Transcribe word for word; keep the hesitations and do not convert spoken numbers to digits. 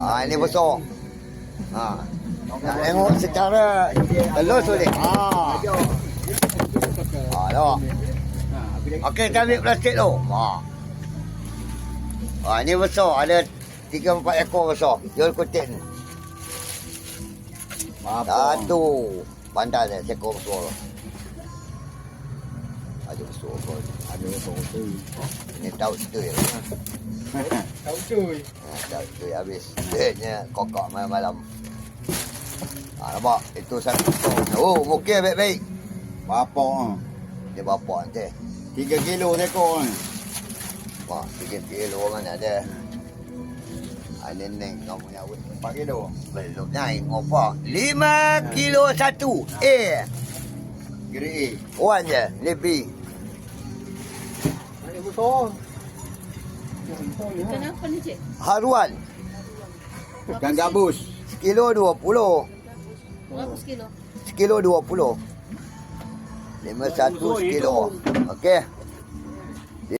Ha, ini besar. Ha. Nak tengok secara telus boleh. Ha. Ha, tengok. Okey, kita ambil plastik tu. Ha. Ha, ini besar. Ada tiga empat ekor besar. Jual kutin. Satu. Bandar dia, sekor besar. Ada besar pun. Ada besar tu. Ini tahu tu ya. Tahu cuy. Ha, tahu tu habis. Duitnya kokok malam-malam. Ha, nampak? Itu satu. Oh, mungkin baik-baik. Bapak ah. Dia bapak nanti. tiga kilo sekor ni. Wah, tiga kilo mana ada. Ada neng kau punya awet. empat kilo. Belum naik ngopak. lima kilo satu. Eh. Grade Wan je. Lebih. A. Ada besar. Kenapa ni, Cik? Haruan. Ikan gabus. Sekilo dua puluh. Berapa sekilo? Sekilo dua puluh. Lima satu sekilo. Okey.